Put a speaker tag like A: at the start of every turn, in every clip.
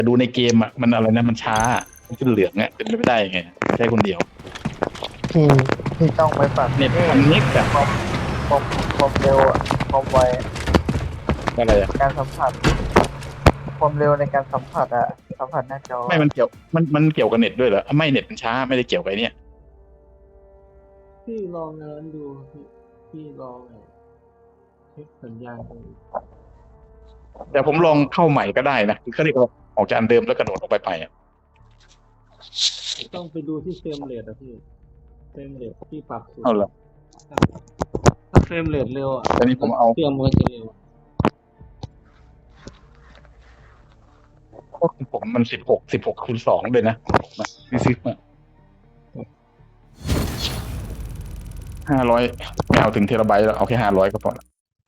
A: แต่ดูในเกมอ่ะมันอะไรนะมันช้ามันขึ้นเหลืองอ่ะเป็นไปไม่ได้ไงใช้คนเดียว
B: พี่พี่ต้องไปปรับ
A: เน็ต
B: นี่
A: มันนิกอะ
B: ความความความเร็วอะความไว
A: อะไรอะ
B: การสัมผัสความเร็วในการสัมผัสอะสัมผัสหน้าจอ
A: ไม่มันเกี่ยวมันเกี่ยวกับเน็ตด้วยเหรอไม่เน็ตมันช้าไม่ได้เกี่ยวกับไอ้เนี่ย
C: พี่ลองงานดูพี่ลองเช็คสัญญาณตรงนี้
A: แต่ผมลองเข้าใหม่ก็ได้นะคือเขาเรียกว่าออกจากอันเดิมแล้วกระโดดออกไปอ่ะ
C: ต้องไปดูที่เฟรมเรทอะพี่เฟรมเรทที่ปรับสูง
A: เอาละ
C: ถ้าเฟรมเรทเร็วอะ
A: ตอนนี้ผมเอา
C: เครื่องมันก็จะเร็ว
A: ของผมมัน16 คูณ 2เลยนะซีซิมา500ไม่เอาถึงเทราไบต์แล้วเอาแค่500ก็พอละ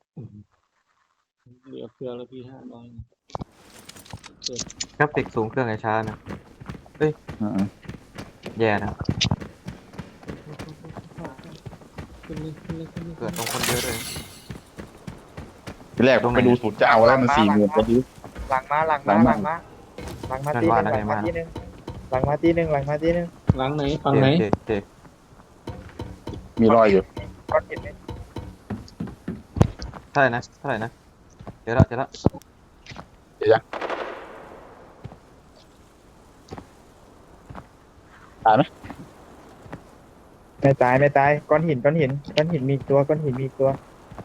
C: เหลือเฟือแล้วพี่500
D: กราฟิกสูงเครื่องไอช้านะเอ้ยแย่นะเกิดตรงคนเยอะเลย
A: ทีแรกผมไปดูสูตรจะเอาแล้วมัน40,000ไปดู
B: หลังมาหลังมาหลังมาหลังมาตีหนึ่งหลังมาตีหนึ่งหลังมาตีหนึ่งหลังมาตีหนึ่ง
C: หลังไหนฝั่งไหน
D: เจ็บ
A: มีรอยอยู่
B: ก้อนหินไหม
D: เท่าไหร่นะเจอละ
A: เดี๋ยวยังตายไหม
B: ไม่ตายไม่ตายก้อนหินก้อนหินก้อนหินมีตัวก้อนหินมีตัว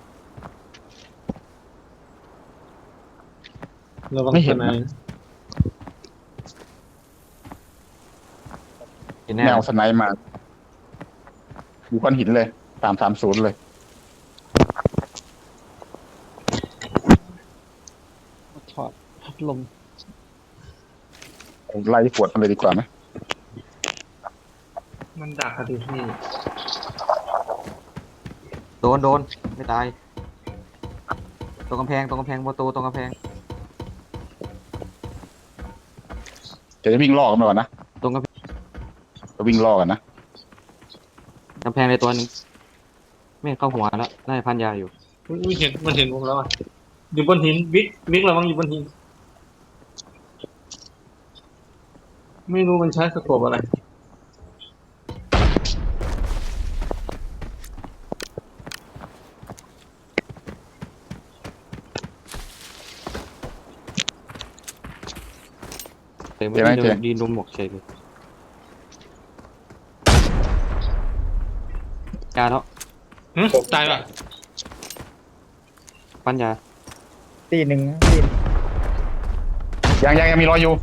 C: ระวังสนาย
D: กินแน่
A: แนวสไนป์มาดูก้อนหินเลย330เลย
C: ถอดพัดลม
A: ไล่ขวดมันเลยดีกว่าไหม
C: มันดักอะดิพี่
D: โดนไม่ตายตรงกำแพงประตูตรงกำแพง
A: จะวิ่งล่อกันไปก่อนนะ
D: ตรงกำแพง
A: จะวิ่งล่อกันนะ
D: ในตัวนึงไม่เข้าหัวแล้วน่าจะพันยาอยู่
C: อุ้ยเห็นมันเห็นผมแล้วอ่ะอยู่บนหินบิ๊กระวังอยู่บนหินไม่รู้มันใช้สโคปอะไร
D: แต่ไม่ได้ดีนมหมกเฉยเลยยาเนาะ
C: ตายป่ะ
D: พันยา
B: ตีหนึ่งตี
A: ยังมีรอยอยู่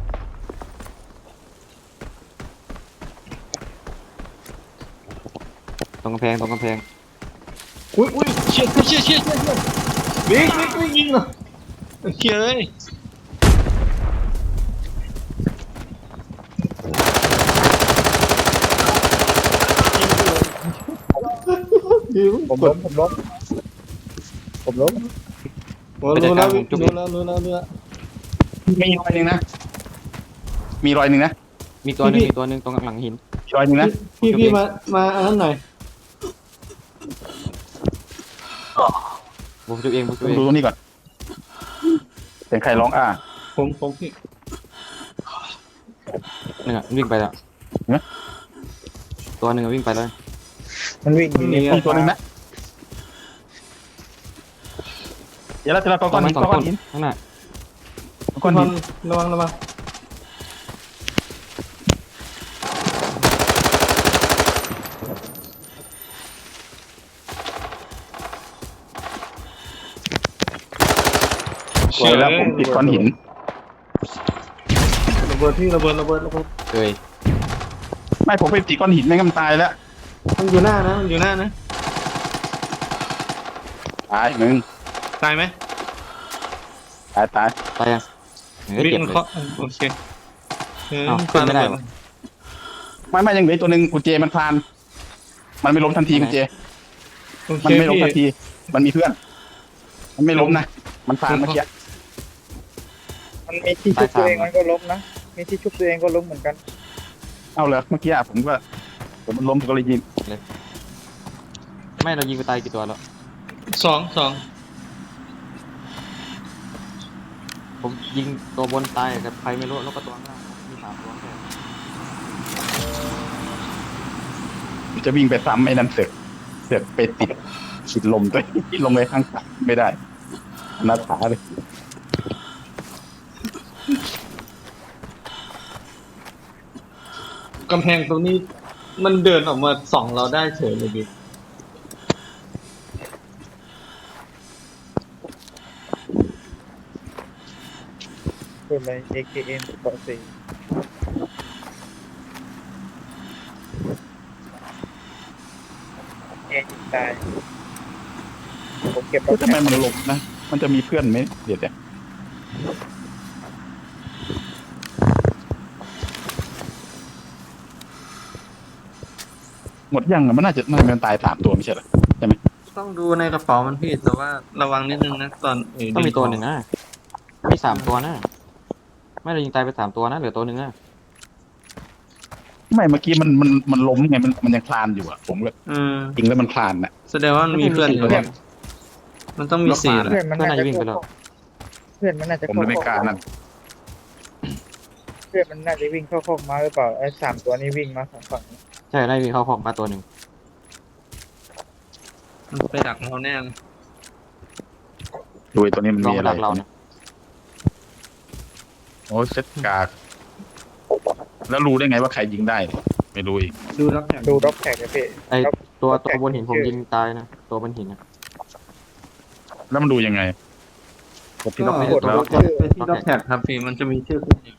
D: ตรงกำแพง
C: อุ้ยเชี่ยบิ๊กยิงเหรอเชี่ยเลย
B: ผมล้ม
C: โอ้รู้แล้ว
A: มีรอยหนึ่งนะมีรอยหนึ่งนะ
D: มีตัวหนึ่งตรงหลังหิน
A: มีรอยหนึ่งนะ
C: พี่มาอันนั้นหน่อย
D: บุกจุเอง
A: ดูตรงนี้ก่อนเป็นใครร้อง
C: ผมพี่
D: หนึ่งวิ่งไปแล้วตัวหนึ่งวิ่งไปแล้ว
B: มันวิ่งอยู่นี่
A: มีตัวหนึ่งนะเดี๋ยวเราจะก้อนหิน
D: ข้างหน้า
A: ก้อนหิน
C: ระวัง
A: สวยแล้วผมติดก้อนหิน
C: ระเบิดพี่ระเบิด
D: เคย
A: ไม่ผมไปติดก้อนหินไม่งั้นมันตายแล้ว
C: มันอยู่หน้านะ
A: ตายมึง
C: ตายไหม
A: ตาย
D: ตายยัง
C: บิ๊ก
D: เจ็บ
C: มัน
D: เลย
C: เคาะโอเค
D: ขึ้นไม่ได้หรอ
A: ไม่ยังเหลือตัวหนึ่งกุญแจมันคลานมันไม่ล้มทันทีกุญแจ
C: โอเค
A: มันไม่ล้มทัน
C: พี่
A: ทีมันมีเพื่อนมันไม่ล้มนะมันคลานเมื่อกี้
B: มันมีที่ชุบตัวเองมันก็ล้มนะมีที่ชุบตัวเองก็ล้มเหมือนกัน
A: เอาเลยเมื่อกี้ผมมันล้มก็เลยยิง
D: ไม่เรายิงไปตายกี่ตัวแล้ว
C: สอง
D: ผมผมยิงตัวบนตายกับใครไม่รู้แล้วก็ตัวข้างล่างมี3 ตัวแค่
A: จะวิ่งไปซ้ำไอ้นั่นเสือกไปติดลมตัวที่ลงไปข้างขาไม่ได้หน้าขาเลย
C: กำแพงตรงนี้มันเดินออกมาส่องเราได้เฉยเลยดิ
B: พูดเลย AKM เบาะสี่ยิงตายผมเก็บ
A: ทำไมมันลงนะมันจะมีเพื่อนไหมเดี๋ยวหมดยังอะมันน่าจะมันตาย3 ตัวไม่ใช่เหรอใช่ไหม
C: ต้องดูในกระเป๋ามันพี่แต่ว่าระวังนิดนึงนะตอน
D: ต้องมีตัวหนึ่งนะมี3 ตัวนะไม่เรายิงตายไป3 ตัวนะเหลือตัวหนึ่งนะ
A: ไม่เมื่อกี้มันล้มไงมันยังคลานอยู่อ่ะผมก็ จริงแล้วมันคลานน่ะ
C: แสดงว่ามันมีเพื่อนอยู่
D: เพื่อน
C: มันต้องมี4แหละ
B: เพื่อนมันน่าจะ
D: วิ่งไปแล้ว
B: เพื่อนมันน่าจะ
A: ผมเลยไม่กล้านั่น
B: เพื่อนมันน่าจะวิ่งเข้าคอกมาหรือเปล่าไอ้3 ตัวนี้วิ่งมาของฝั่งนี้
D: ใช่ได้มีเข้าของมาตัวหนึ่ง
C: มันไปดักเราแน่เลย
A: ดูไอ้ตัวนี้มัน
D: ลอง
A: มี
D: มา
A: อะไร
D: ดักเราเนี่ย
A: โอ้ยเซตกากแล้วรู้ได้ไงว่าใครยิงได้เนี่ยไม่รู้อีก
C: ดูรับแถบ
B: ดูด็อกแท็กนะพี่
D: ไอตัวบนหินผมยิงตายนะตัวบนหินนะ
A: แล้วมันดูยังไงกดที่
C: ก็
A: ล็อก
B: กด
A: แล้ว
C: ไปที่รับแถบครับพี่มันจะมีชื่อขึ้นอีก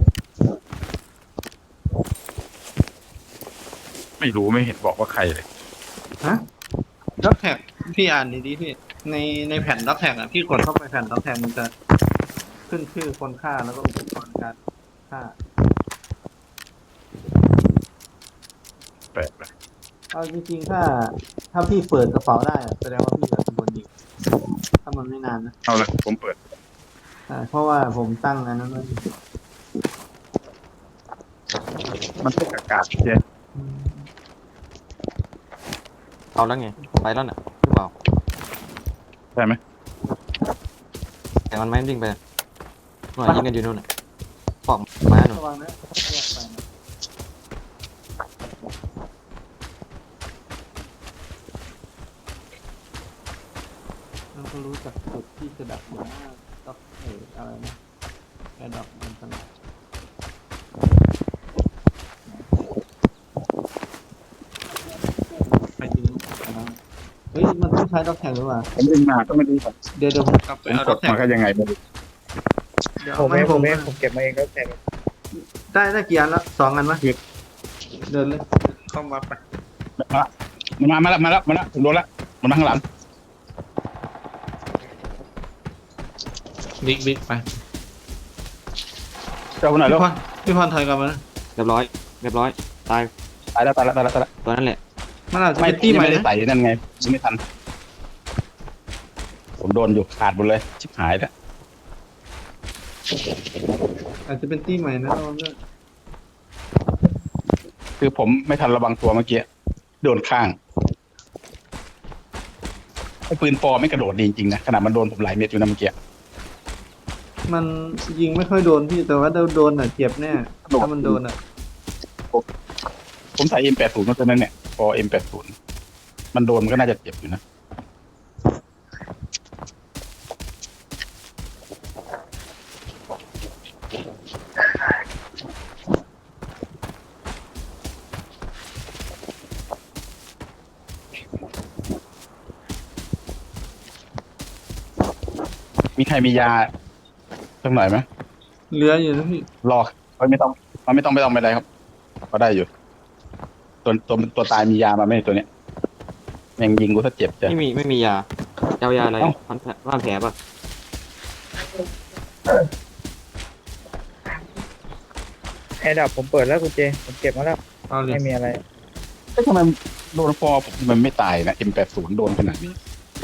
A: ไม่รู้ไม่เห็นบอกว่าใครเลย
C: ฮะรับแท็กพี่อ่านดีๆพี่ในแผ่นรับแท็กอ่ะพี่กดเข้าไปแผ่นรับแท็กมันจะขึ้นชื่อคนฆ่าแล้วก็อุปกรณ์การฆ่า
A: แปลกเลย
C: เอาจริงๆถ้าพี่เปิดกระเป๋าได้อะแสดงว่าพี่แบบบนยิงถ้ามันไม่นานนะ
A: เอาละผมเปิด
C: เพราะว่าผมตั้งอันนั้นไว้
A: มันเป็นอากาศใช่
D: เอาแล้วไงไปแล้วน่ะหรือเปล่า
A: ใช่ไหม
D: แต่มันไม่วิ่งไปหน่วยยิงกันอยู่นู่นน่ะปอกมาหนู
C: ระวังนะแยกไปนะมันก็รู้จักจุดที่จะดักหนูว่าต้องอะไรนะแอร์ดับมันสลับไปยิงเฮ้ยมันต้องใช้ด็อกแท็กหรือเปล่า
A: ผมยิงมาก็ไม่รู้ครับ
C: เดี๋ยวผมกลับไป
A: ผม
C: เอา
A: ก
C: ด็อ
A: ด
C: กแท็ก
A: มาก็ยังไงไม่รู้
C: เดี๋ยว
B: ผม
C: ไม่
B: เอง
C: ผ
B: ผม มเองผมเก็บมาเองด็อกแท็ก
C: ได้กี่อันแล้ว2 อันวะเดินเลยเข้ามาไป
A: มาแล้วผมโดนแล้วมันมาข้างหลัง
C: บิ๊กไป
A: เจ้าคนไหนแล้ว
C: พี่พรถอยกลับมานะ
D: เรียบร้อยตาย
A: ตายแล้ว
D: ตัวนั้นแหละ
C: มันอาจจะ
A: ไม่
C: เป็นตี้ใหม่
A: ไม่ได้
C: นะ
A: ใส่นั่นไงไม่ทัน ผมโดนอยู่ขาดหมดเลยชิบหายแล้ว
C: อาจจะเป็นตี้ใหม่นะระวังด้วย
A: คือผมไม่ทันระวังตัวเมื่อกี้โดนข้างไอ้ปืนปอไม่กระโดดดีจริงๆนะขนาดมันโดนผมหลายเม็ดอยู่นะเมื่อกี้
C: มันยิงไม่ค่อยโดนพี่แต่ว่าโดนอ่ะเจ็บแน่ถ้ามันโดนอ่ะ
A: ผมใส่ M80 มาตัวนั้นเนี่ยปอ M80 มันโดนมันก็น่าจะเจ็บอยู่นะมีใครมียาสักหน่อยไหม
C: เหลืออยู่นะพี่
A: รอไม่ต้องไม่ได้ครับก็ได้อยู่ตัวตายมียามาไหมตัวเนี้ยยังยิงกูถ้าเจ็บจ้ะ
D: ไม่มียาเจ้ายาอะไร
A: เอ้า
D: พันแผลป่ะ
B: ไอ้ดับผมเปิดแล้วคุณเจผมเก็บมาแล้ว
C: เอาเลย
B: ไม่มีอะไร
A: ทำไมโดนฟอผมมันไม่ตายนะ M80 โดนขนาดนี้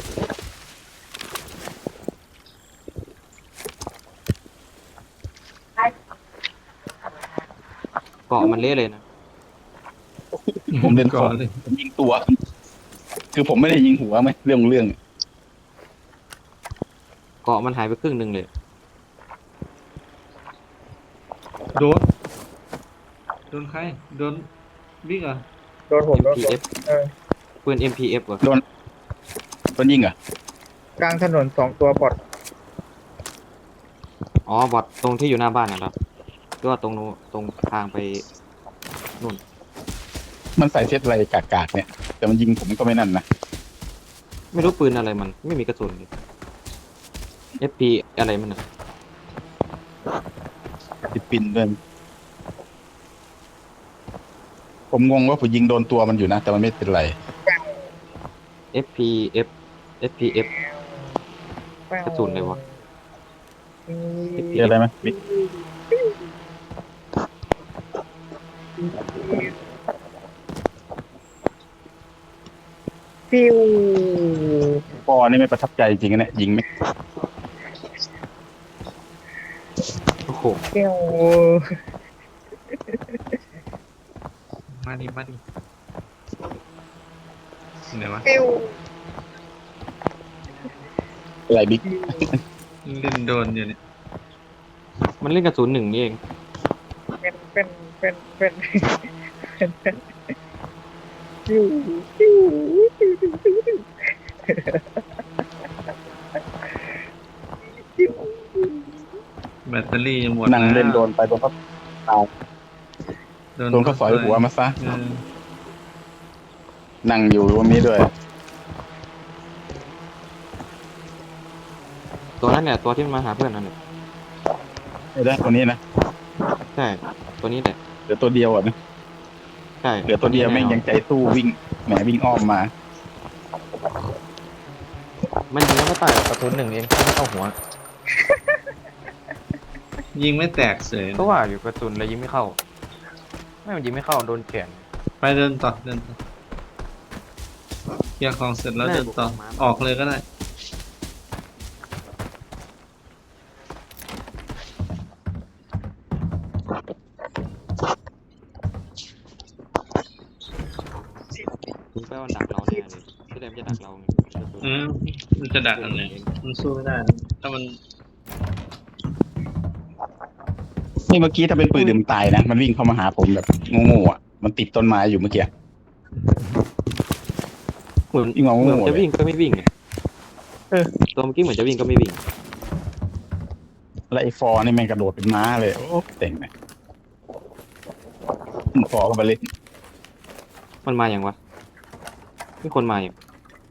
D: เกาะมันเละเลยนะ
A: ผมเล่น
C: ก่
A: ก่
C: อ
A: อน น
C: เลย
A: ผมยิงตัว คือผมไม่ได้ยิงหัวไหมเรื่อง
D: เกาะมันหายไปครึ่งหนึ่งเลย
C: โดนโดนใครโดนบิ๊กเหรอ
B: โดนผมโดนผม
D: MPF
B: เออ
D: ปืน MPF เหรอ
A: โดนยิงเหรอก
B: ลางถนน2 ตัวบอด
D: อ๋อบอทตรงที่อยู่หน้าบ้านน่ะเหรอหรือว่าตรงนู้นตรงทางไปนู่น
A: มันใส่เซตอะไรกากๆเนี่ย แต่มันยิงผมก็ไม่นั่นนะ
D: ไม่รู้ปืนอะไรมันไม่มีกระสุนเลย FP อะไรมันอ่ะ
A: ติดปินด้วยผมงงว่าผมยิงโดนตัวมันอยู่นะ แต่มันไม่เป็นไร
D: FPF FPF กระสุนเลยวะ
A: เจออะไรไหมบิ๊ก
B: ฟิว
A: ปอนี่ไม่ประทับใจจริงๆนะยิงไม่
D: โอ้โห
B: ฟิว
C: มาดิไหนวะ
B: ฟิว
A: อะไรบิ๊ก
C: เล่นโดนอยู่เนี่ย
D: มันเล่นกระสุน1นี่เอง
B: เป็นฟิวฟิวฟิวฟิวฟิวฟิว
C: แบตเตอรี่จะหมด
A: นั่งเล่นโดนไปโดนเขาตายโดนเขาสอยหัวมาซะ
C: เออ
A: นั่งอยู่ตรงนี้ด้วย
D: ตัวนั้นเนี่ยตัวที่มันมาหาเพื่อนนั่นแหละ
A: ไม่ได้ตัวนี้นะ
D: ใช่ตัวนี้แหละ
A: เหลือตัวเดียวอ่ะนะ
D: ใช่
A: เหลือตัวเดียวแม่งยังใจสู้วิ่งแหมวิ่งอ้อมมา
D: มันยิงแล้วก็ตายกระสุน1เองไม่เข้าหัว
C: ยิงไม่แตกเสย
D: ก็ว่าอยู่กระสุนเลยยิงไม่เข้าไม่มันยิงไม่เข้าโดนแขน
C: ไปเดินต่อเคลียร์ของเสร็จแล้วเดินต่อออกเลยก็ได้
D: คุณแปลว่าดักเราแน่เลยที่แรกมันจะดักเราไง
C: มันจะดักอันไหนมันสู้ไม่ได้นะถ้ามัน
A: นี่เมื่อกี้ถ้าเป็นปืนดื่มตายนะมันวิ่งเข้ามาหาผมแบบโง่ๆอ่ะมันติดต้นไม้อยู่เมื่อกี้
D: เหมือน
A: วิ่งมา
D: เหมือน
A: โง่ๆ
D: จะ
A: เลย
D: วิ่งก็ไม่วิ่งไงตัวเมื่อกี้เหมือนจะวิ่งก็ไม่วิ่ง
A: แล้วไอ้ฟอร์นี่แม่งกระโดดเป็นม้าเลยโอ้เต็งเลยฟอร์ก็มาเล่น
D: มันมาอย่างวะมีคนมาอย่าง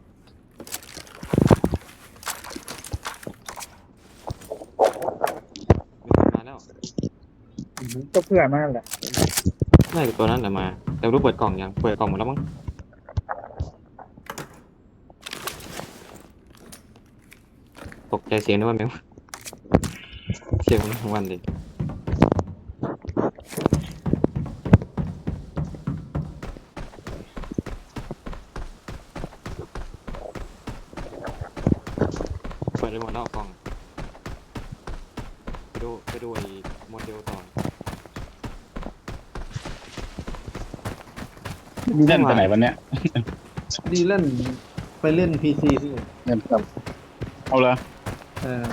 D: มีคนมาแล้ว
B: ก็เพื่อนมากแหละ
D: น่าจะตัวนั้นแหละมา แต่ไม่รู้เปิดกล่องยังเปิดกล่องหมดแล้วมั้งตกใจเสียงนึกว่าแมวเสียงมันทั้งวันเลยเปิดไปหมดแล้วกล่องไปดูไอ้โมเดลต่อ
A: เล่นไปไหนวันเนี้ย
C: ดีเล่นไปเล่นพีซีพี่
A: เล่นครับเอาเลย
C: เออ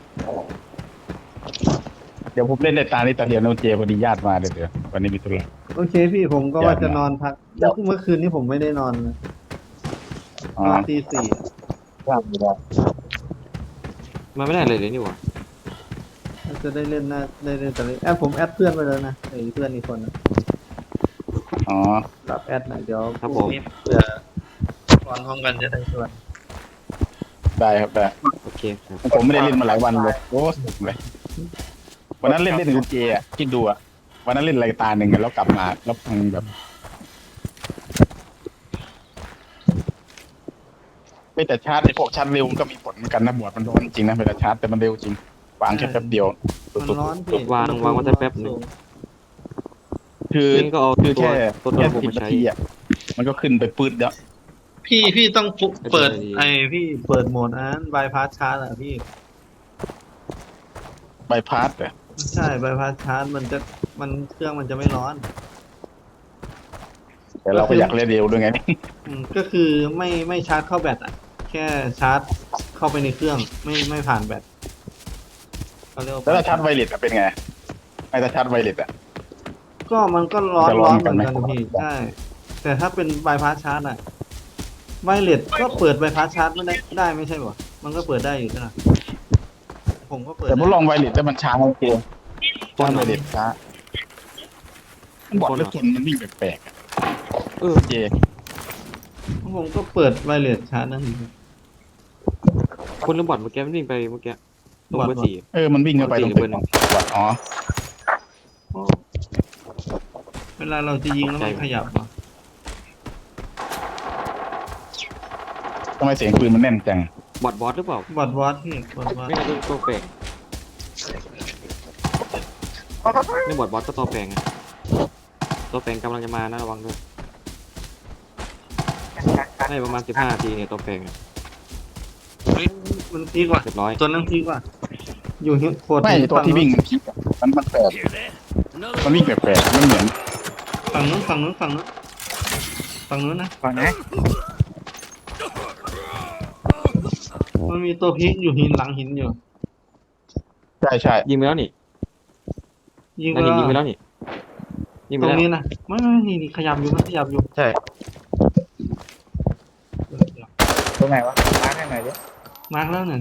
A: เดี๋ยวผมเล่นในตานี้ตาเดียวโนเจพอดีญาติมาเดี๋ยววันนี้มีธุระ
C: โอเคพี่ผมก็ว่าจะนอนพักเมื่อคืนนี้ผมไม่ได้นอนเลย
A: อ๋อน
C: อนตี 4
A: ญาติมีแล้ว
D: มันไม่ได้เลยนี่หว่า
C: จะได้เล่นนะได้เล่นแต่เล่นผมแอดเพื่อนไปแล้วนะไอ้เพื่อนอีกคนนะ
A: อ๋อ
C: รับแอดหน่อยเดี๋ยว
D: ครับผม
C: เผื่อตอนพร้อมกันจะได้ชวน
A: ได้ครับได้
D: โอเคครับ
A: ผมไม่ได้เล่นมาหลายวันเลยโอ้สนุกเลยวันนั้นเล่นโนเจอ่ะคิดดูอ่ะวันนั้นเล่นอะไรตาหนึ่งแล้วกลับมาแล้วพังแบบไม่แต่ชาร์จไอ้พวกชาร์จเร็วมันก็มีผลเหมือนกันนะบวชมันร้อนจริงนะเวลาชาร์จแต่มันเร็วจริงวางแค่แป๊บเดียว
C: มันร้อนพี่
D: วางไว้สักแป๊บหนึ่ง
A: คือ
D: นี่ก็เอา
A: คือ
D: ตัว
A: แค่
D: ตัว
A: แค่
D: ผม
A: 10
D: มา
A: นา
D: ใช้
A: ทีอ่ะมันก็ขึ้นไปปื๊ดแล้ว
C: พี่ต้องเปิด
D: ไม่เป็นไรดี
C: ไอ้พี่เปิดโหมดนั้นบายพาสชาร์จอ่ะพี่
A: ใบพาสอ่ะ
C: ใช่บายพาสชาร์จมันเครื่องมันจะไม่ร้อน
A: แต่เราก็อยากเล่นเร็วด้วยไง
C: ก็คือไม่ชาร์จเข้าแบตอ่ะ แค่ชาร์จเข้าไปในเครื่องไม่ผ่านแบตเขาเรียกว่า
A: แล้วถ้าชาร์จไวเลสอะเป็นไงไม่ถ้าชาร์จไวเลสอ่ะ
C: ก็มันก็ร้อน
A: จะร้
C: ร้
A: อ
C: อน น
A: เห
C: เห
A: มื
C: มื
A: อ
C: อน น
A: กั
C: กัน น
A: ไหม
C: พี่ใช่แต่ถ้าเป็นบายพาสชาร์จอะไวเลสก็เปิดบายพาสชาร์จไม่ได้ไม่ใช่เหรอมันก็เปิดได้อยู่ใช่ไหมผมก็เปิด
A: แต่ผมลองไวเลสแล้วมันช้าโอเค
D: ปล้
A: ช้าน
D: เหร
A: ไว
D: อ
A: เลสช้ามันบอกเลยคนมันวิ่งแปลกๆอะ
D: เออ
A: เจ
C: ผมก็เปิดไวเลสชาร์จนั่นเอง
D: คนหรือบอทเมื่อกี้มันวิ่งไปเมื่อกี้ตรงเบอร์
C: บอท
D: สี่
A: มันวิ่งเข้าไปตรง
D: เบอร์หนึ่ง
A: อ๋อ
C: เวลาเราจะยิงแล้วมันขยับเหรอ
A: ทำไมเสียงปืนมันแน่นจัง
D: บอทหรือเปล่า
C: บอดวอตพี่บอดวอต
D: ไม่ใช่ตัวแปลงไม่บอทก็ตัวแปลงอะตัวแปลงกำลังจะมานะระวังด้วยให้ประมาณ15 นาทีเนี่ยตัวแปลงอะ
C: เฮ้ยมันพีกว่า
D: เรียบร้อย
C: ตัวนั้นพีกว่า อยู่หินโคตร
A: ไม่ตัวที่วิ่งมันคิดอะมันแปลกมันวิ่งแปลกๆมันเหมือน
C: ฝั่งนู้นฝั่งนู้นฝั่งนู้นฝั่งนู้นนะ
B: ฟังนะ
C: มันมีตัวพีกอยู่หินหลังหินอยู่
A: ใช่ใช่
D: ยิงไปแล้วนี่
C: ยิง
D: นา
C: ไป
D: ที
C: แล้ว
D: ยิงไปแล้วนี่ยิงไป
C: ตรง
D: แล้ว
C: นี้นะไม่นี่ขยับอยู่มันขยับอยู่
A: ใช่
B: ตรงไหนวะมาร์คให้หน่อยดิ
C: มาร์กแล้วนั่น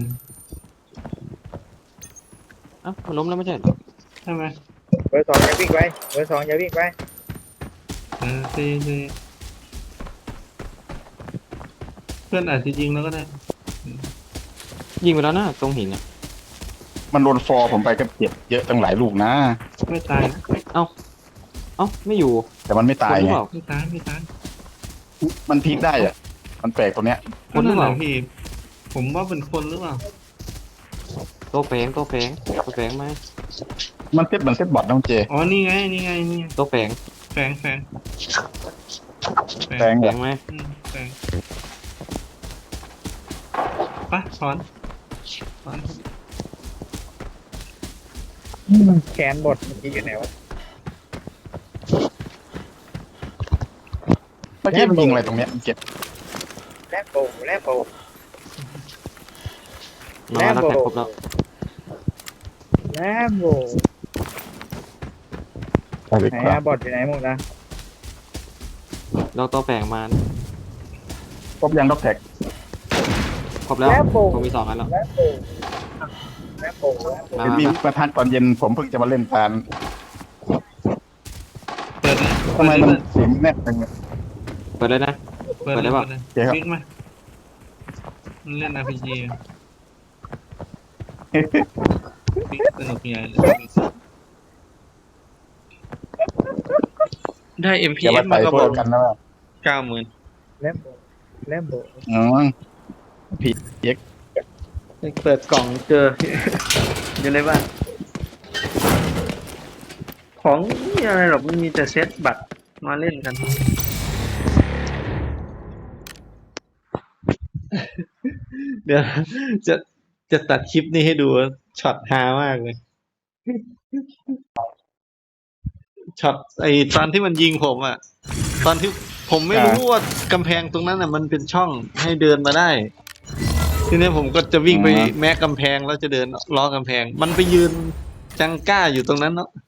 D: เอ้ามันล้มแล้วไม่ใช่เหรอ
C: ใช่ไหม
B: เบอร์ 2อย่าวิ่งไปเบอร์ 2อย่าวิ่งไป
C: เเพื่อนอาจจะยิงแล้วก็ได้
D: ยิงไปแล้วนะตรงหินอะ
A: มันโดนฟอร์ผมไปก็เจ็บเยอะตั้งหลายลูกนะ
C: ไม่ตายนะ
D: เอ้าไม่อยู่
A: แต่มันไม่ตาย
D: คนหรือ
A: ไง
D: เปล่า
C: ไม่ตายไม่ตาย
A: มันพลิกได้อ่ะ มันแปลกตัวเนี้ย
D: คนหรือเปล่า
C: นั่นแหะพี่ ผมว่าเป็นคนหรือเปล่า
D: ตัวแปลงไหม
A: มันเซ็ตเหมือนเซ็ตบอทน้องเจ
C: อ๋อนี่ไงนี่ไงนี่ไง
D: ตัวแปลง
C: แฝง
A: แปลง
D: แปล
A: เนี่ย
D: งไหม
C: แฝงไปถอน
B: แขนบดเมื่อกี้อยู่ไหนวะ
A: เมื่อกี้มันยิงอะไรตรงเนี้ยมันเจ็บ
B: แลบโบแลบโบ
D: มาแล้วแตกครบแล้ว
B: แลบโบ
A: ใช่เลย
B: ไหน
A: ครั
B: อะ
A: บบ
B: อดอยู่ไหนหมดนะ
D: เราตัวแปลงมานะ
A: ครบยังด็อกแท็ก
D: ครบแล้ว
B: แลบโบ
D: ผมมี2 อันแล้ว
B: แลบโบแลบโบแลบโบ
D: มา
A: เห็นมีมาทักตอนเย็นผมเพิ่งจะมาเล่นตาน
C: เปิดเลย
A: ทำไมมันเสียงแน่นจังเนี่ย
D: เปิดเลยนะ
C: เปิดเลย
D: เปิดได้ปะ
C: เปิดเลย
A: โอเคครับ
C: บิ๊กมามันเล่น RPG อะบิ๊กสนุกใหญ่เลยได้
A: อย่า
C: MPF
A: มา
C: มา
A: ใส่
C: ก็
A: พ
C: บ
A: ว
C: อก
A: กกันนะว่า
C: 90,000
B: แลบโบแลบโบ
A: อ๋อผิดเย็ก
C: เปิดกล่องเจอ อยู่ในบ้านของไม่มีอะไรหรอกไม่มีแต่เซตบัตรมาเล่นกัน เดี๋ยวจะจะตัดคลิปนี้ให้ดูช็อตฮามากเลยช็อตไอตอนที่มันยิงผมอ่ะ ตอนที่ผมไม่รู้ว่ากำแพงตรงนั้นอ่ะมันเป็นช่องให้เดินมาได้ ทีนี้ผมก็จะวิ่งไปแม้กำแพงแล้วจะเดินล้อกำแพง มันไปยืนจังก้าอยู่ตรงนั้นเนาะ